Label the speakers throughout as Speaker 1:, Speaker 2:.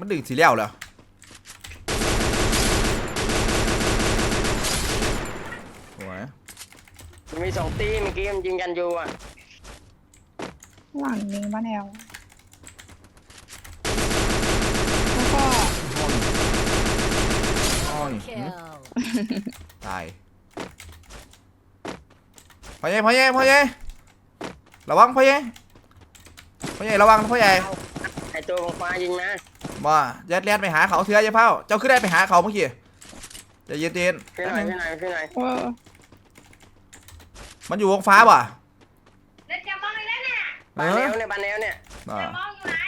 Speaker 1: มันดึงสีเหลี่ยวเหรอโอ้ย
Speaker 2: มี2 ตีเมื่อกี้มันยิงกันอยู่อ่ะ
Speaker 3: หลังนี้มาแนวแล้วก็
Speaker 1: อ้อยตายพ่อใหญ่ระวังพ่อใหญ่ระวังพ่อใหญ่
Speaker 2: ไอตัวของฟ้ายิงนะ
Speaker 1: มายัดเลียนไปหาเขาเถื่อเจ้าเผ่าเจ้าขึ้นได้ไปหาเขาเมื่อกี้จะเย็นๆ
Speaker 2: ขึ้นหน่อย
Speaker 1: มันอยู่วงฟ้าป่ะ
Speaker 4: เล่นจะมองเลยนะ
Speaker 2: บานแนวเนี่ย
Speaker 4: จะมองอยู่ไหน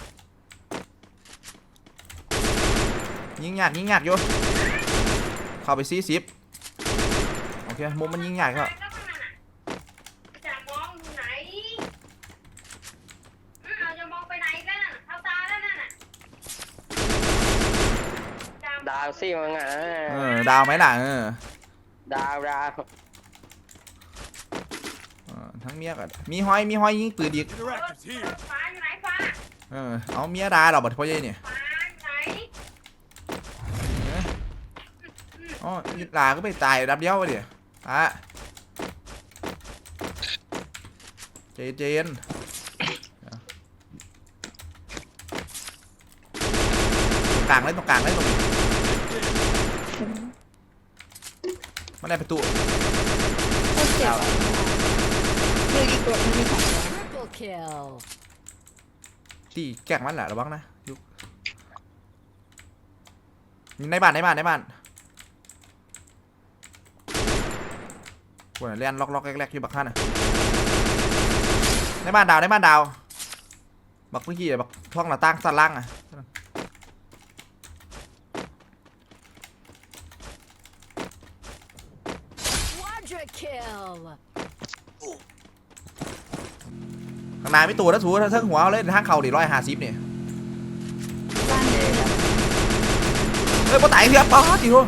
Speaker 1: ยิงหยาดอยู่เข้าไป40โอเคมุมมันยิงหยาดก็
Speaker 4: จะมองอยู่ไหนเราจะมองไปไหนกันเท้าตาแล้วนั่นน่ะ
Speaker 2: ดาวซี่มึงอ่ะ
Speaker 1: ดาวไหมล่ะ
Speaker 2: ดาว
Speaker 1: ทั้งเมียกับมีห้อยยิงปืนอีก
Speaker 4: ฟ้าอยู่ไหนฟ้า
Speaker 1: เอาเมียดาเราบัดพ่อใหญ่เนี่ย
Speaker 4: ฟ้าไหน
Speaker 1: อ๋อลาก็ไปตายดับเดียวไปเดี๋ยวเจนตรงกลางเลยตรงนี้มันได้ประตู
Speaker 3: เจ็บคืออีกตัวมันมี2
Speaker 1: ตีแกล้งมันแหละระวังนะยุกในบ้านวันนี้เล่นล็อกแรกอยู่บักท่านนะในบ้านดาวบักเมื่อกี้บักท่องหน้าต่างสั่นล่างอะข้างในไม่ตัวนะสูถ้าเทิงหัวเลยทางเข่าดิ150เนี่ยเฮ้ยปะไต่เพียบป๊อดจีโร่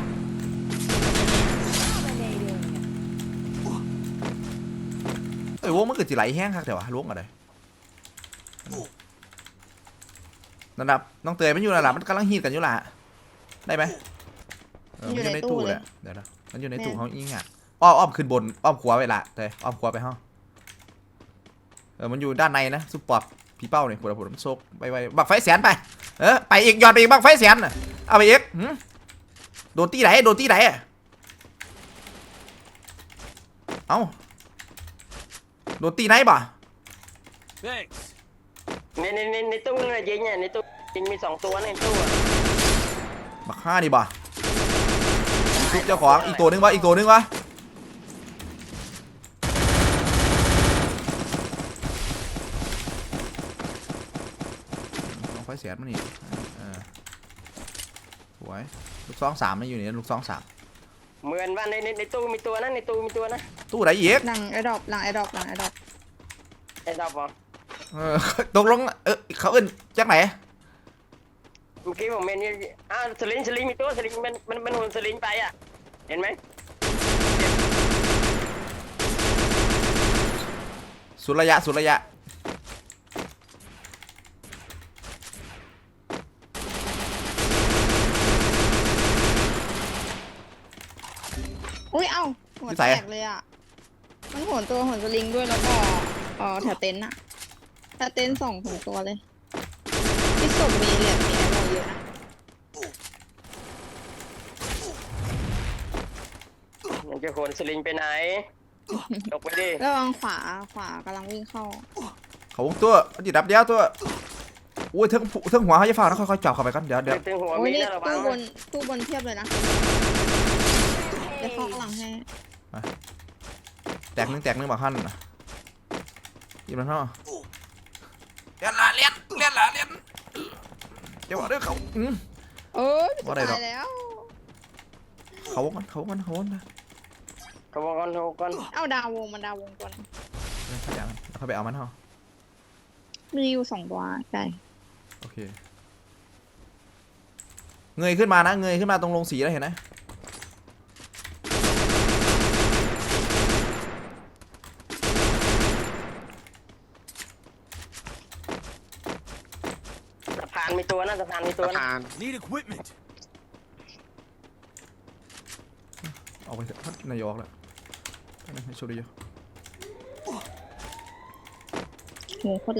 Speaker 1: วงมันเกิดจีไหลแห้งครับเดี๋ยวล้วงอะไรนั่นดับน้องเตยมันอยู่นั่นแหละมันกำลังฮีดกันอยู่ล่ะได้ไหมมันอยู่ในตู้เลยเดี๋ยวนะมันอยู่ในตู้เขายิงอ่ะอ้อมขึ้นบนอ้อมขวาไปละเตยอ้อมขวาไปห้องมันอยู่ด้านในนะซุปปอร์ตพี่เป้าเนี่ยปวดมันโซกไปบักไฟแสนไปไปอีกย้อนไปอีกบักไฟแสนเอาไปอีกโดนตีไหนเอ้าโดนตีไหนบ่
Speaker 2: ในตู้เนี่ยยิงเนี่ยในตู้ยิงมี2 ตัวในตู้
Speaker 1: บัก5ดิบ่ชุบเจ้าของอีกตัวนึงวะไฟเสียมันนี่สวยลูก2-3ไม่อยู่นี่ลูก2-3
Speaker 2: เหมือนว่าในตู้มีตัวนะ
Speaker 1: ตู้ไหนอีก
Speaker 3: หลังไอดอป
Speaker 2: ไอ้ดอกบอ
Speaker 1: ตกลงเขาอื่นจากไหน
Speaker 2: เมื่อกี้ผมเมนนี่สลิงมีตัวสลิงมันหุ่นสลิงไปอ่ะเห็นไหม
Speaker 1: สุดระยะ
Speaker 3: อุ้ยเอ้าหัวแตกเลยอ่ะมันโหนสลิงด้วยแล้วก็แถวเต็นท์อะแถวเต็นท์2ตัวเลยที่ศพมีเหรียญมีอะไรเยอะนะ
Speaker 2: มันจะโหนสลิงไปไหนตกไปดิ
Speaker 3: ระวังขวากำลังวิ่งเข้า
Speaker 1: เขาวงตัวมันจิดับเดียวตัวอุ้ยเทิงหัวเขาจะฝ่าแล้วค่อยๆจับเข้าไปกันเดี๋ยว
Speaker 2: เทิงหัวมีนะระวัง
Speaker 3: ตู้บนเทียบเลยนะเดี๋ยวเข้ากำลังให้
Speaker 1: แตกนึงบอกขั้นยิงมันท่อเลี้ยนเดี๋ยวเรื่องเขา
Speaker 3: ว่าได้หรอก
Speaker 1: เขากัน
Speaker 3: เอาดาววงก่อน
Speaker 1: เขาไปเอามันท่อ
Speaker 3: มีอยู่2 ตัวใช่
Speaker 1: โอเคเงยขึ้นมาตรงลงสีแล้วเห็นไหม
Speaker 2: านมีตัวนะสะพานมีตัวนะ
Speaker 5: ผ่าน
Speaker 6: Need equipment.
Speaker 1: ออกไปเถอะนายออกแล้วให้โชว์ดีอยู่
Speaker 3: โหโคตรแรง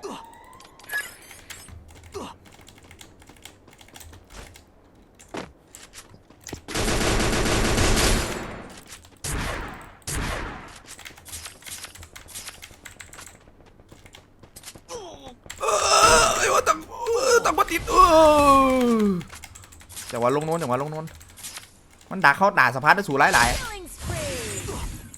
Speaker 1: ไอ้ว่าตั้งปฏิทินแต่ว่าลงโน้นแต่ว่าลงโน้นมันดักเข้าด่าสะพานได้สู่หลาย
Speaker 7: Killing spree.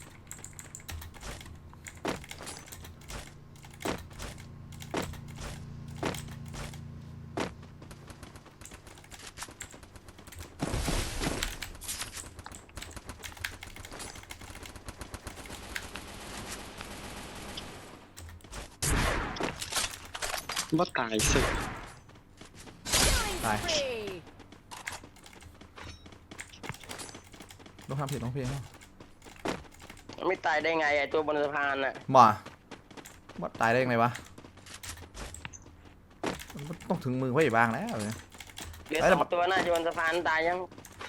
Speaker 5: ว่าตายสิ
Speaker 7: Killing
Speaker 1: Bye.
Speaker 7: spree.
Speaker 1: ๆต้องทำผิดต้องเพลง
Speaker 2: ไม่ตายได้ไงไอ้ตัวบนสะพานน่ะ
Speaker 1: บ่ว่าตายได้ยังไงวะมันต้องถึงมือไว้บ้างแล้วเนี่ย
Speaker 2: เหลือ
Speaker 1: ไอ้ระ
Speaker 2: ส
Speaker 1: เบิ
Speaker 2: อ
Speaker 1: ด
Speaker 2: งตัวน่าจะบนสะพานตายยัง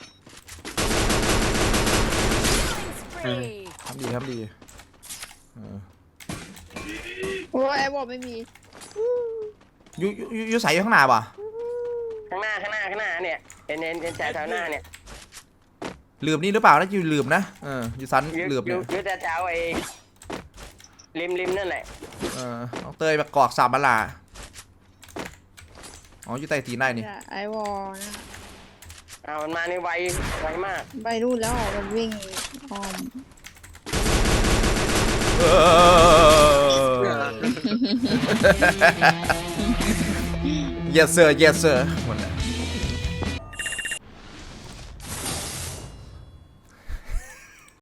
Speaker 7: Killing spree.
Speaker 1: ทำดีทำดีเออ
Speaker 3: โอ้ยไอ้บอกไม่มี
Speaker 1: ยูใส่อยู่ข้างหน้าป่ะ
Speaker 2: ข้างหน้าเนี่ยเห็นแถวหน้าเนี่ย
Speaker 1: ลืมนี่หรือเปล่านะยูลืมนะยูซัน
Speaker 2: ยื
Speaker 1: ลืมเนี่ย
Speaker 2: ยืแต่แถวไอ้ริมนั่นแหละ
Speaker 1: น้องเตยแบบกรอกสามบัลลาอ๋อยูไต่ตีนได้นี่
Speaker 3: ไอ้วอนะ
Speaker 2: มันมานี่ไวมาก
Speaker 3: ไปรูดแล้วมันวิ่งอ้อม
Speaker 1: yes sir yes sir หมดแล้ว